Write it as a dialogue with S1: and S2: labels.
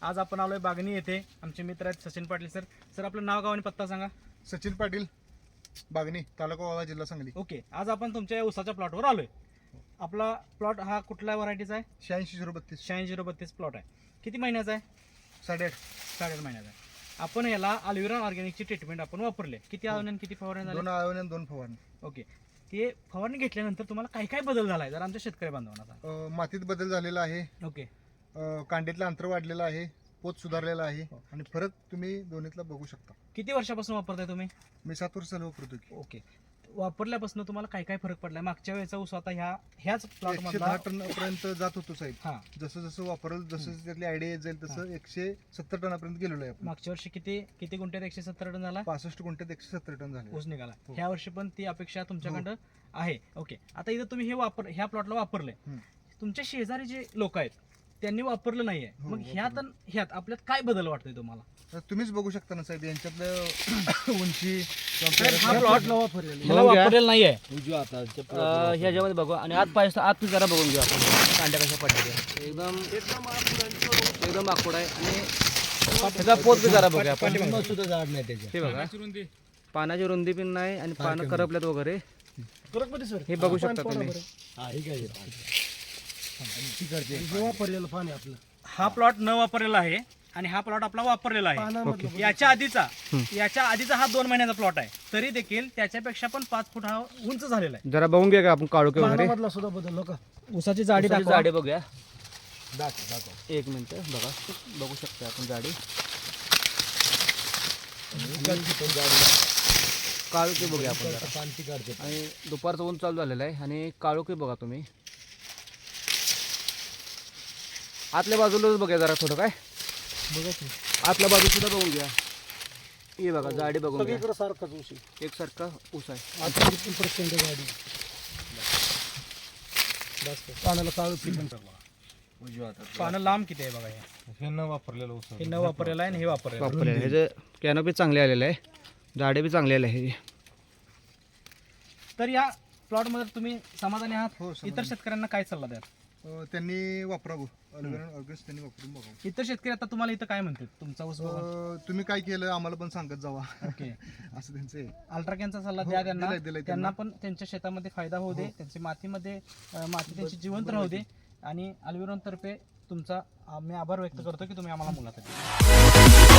S1: आज आपण आलोय बागणी येथे. आमचे मित्र आहेत सचिन पाटील सर. सर आपलं नाव गाव आणि पत्ता सांगा.
S2: सचिन पाटील, बागणी, तालुका वाळवा, जिल्हा सांगली.
S1: ओके, आज आपण तुमच्या उसाच्या प्लॉटवर आलोय. आपला प्लॉट हा कुठल्या व्हरायटीचा आहे?
S2: 86 032.
S1: 86 प्लॉट आहे. किती महिन्याचा आहे?
S2: 8.5.
S1: 8.5 महिन्याचा आहे. आपण याला अल्विरॉन ऑर्गॅनिकची ट्रीटमेंट आपण वापरले. किती आळवणी आणि किती फवारणी झाली?
S2: 2 आळवणी आणि 2 फवारणी.
S1: ओके, ते फवारणी घेतल्यानंतर तुम्हाला काय काय बदल झालाय जर आमच्या शेतकरी बांधवांना सांगा.
S2: मातीत बदल झालेला आहे.
S1: ओके,
S2: कांडीतलं अंतर वाढलेलं आहे. पोत सुधारलेला आहे आणि फरक तुम्ही दोन्हीतला बघू शकता.
S1: किती वर्षापासून वापरताय तुम्ही?
S2: मी 7 वर्ष झालं वापरतो की.
S1: ओके, वापरल्यापासून तुम्हाला काय काय फरक पडलाय? मागच्या वेळेचा ऊस आता ह्याच प्लॉट
S2: 110 टनापर्यंत जात होतो साहेब.
S1: हा,
S2: जसं जसं वापरल जसं त्यातली आयडिया येत जाईल तसं 170 टनापर्यंत गेलेलो आहे आपण.
S1: मागच्या वर्षी किती गुंठ्यात 170 टन झाला
S2: 65 गुंठ्यात 170 टन झाले.
S1: ऊस निघाला.
S2: हो.
S1: ह्या वर्षी पण ती अपेक्षा तुमच्याकडं आहे. ओके, आता इथं तुम्ही ह्या प्लॉटला वापरले.
S2: हम्म.
S1: तुमच्या शेजारी जे लोक आहेत त्यांनी वापरलं नाहीये,
S2: हो,
S1: मग ह्यात आपल्यात काय बदल वाटतोय तुम्हाला?
S2: तर तुम्हीच बघू शकता ना साहेब यांच्यातलं उंची
S1: हा प्लॉट ह्याला वापरलेला नाहीये.
S3: ह्याच्यामध्ये बघू आणि आत जरा बघून घेऊ आपण कांड्या कशा पडल्या एकदम आखूड आहे आणि त्याचा पोत बी जरा बघूया आपण. हे बघा, पानाची रुंदी पण नाही आणि पानं करपल्यात वगैरे हे बघू शकता तुम्ही.
S1: हा प्लॉट न वापरलेला आहे आणि हा प्लॉट आपला वापरलेला आहे. याच्या आधीचा हा 2 महिन्याचा प्लॉट आहे, तरी देखील त्याच्यापेक्षा पण 5 फूट हा उंच झालेला आहे.
S3: जरा बघून घ्या का आपण काळोखे वगैरे
S1: उसाची जाडी
S3: उसाची
S1: दाखवा.
S3: जाडी बघूया. एक मिनिट बघा, बघू शकता आपण जाडी. काळोखी बघूया आपण जरा. आणि दुपारचं ऊन चालू झालेलं आहे आणि काळोखी बघा तुम्ही. आतल्या बाजूलाच बघा जरा थोडं काय आतल्या बाजू सुद्धा बघून घ्या. हे बघा जाडी बघून घ्या. एकसारखा ऊस आहे.
S1: पानं लांब किती आहे बघा.
S2: हे न वापरलेलं ऊस.
S1: हे न वापरलेलं आहे आणि हे वापरलेलं आहे.
S3: वापरलेलं ह्याचं कॅनोपी चांगले आलेलं आहे, जाडे बी चांगले आले आहे.
S1: तर या प्लॉट मध्ये तुम्ही समाधानी आहात?
S2: हो, समाधानी.
S1: इतर शेतकऱ्यांना काय सल्ला द्याल?
S2: त्यांनी वापरावं अल्विरॉन ऑर्गॅनिक त्यांनी वापरून बघावं.
S1: इतर शेतकरी आता तुम्हाला इथं काय म्हणतात तुमचा ऊस बघून?
S2: तुम्ही काय केलं आम्हाला पण सांगत जावा
S1: ओके,
S2: असं त्यांचं आहे.
S1: अल्ट्राकॅनचा सल्ला
S2: हो,
S1: द्या त्यांना.
S2: दिलाय
S1: त्यांना पण त्यांच्या शेतामध्ये फायदा होऊ दे, त्यांची माती त्यांची जिवंत राहू दे. आणि अल्विरॉन तर्फे तुमचा मी आभार व्यक्त करतो की तुम्ही आम्हाला मुलाखत दिली.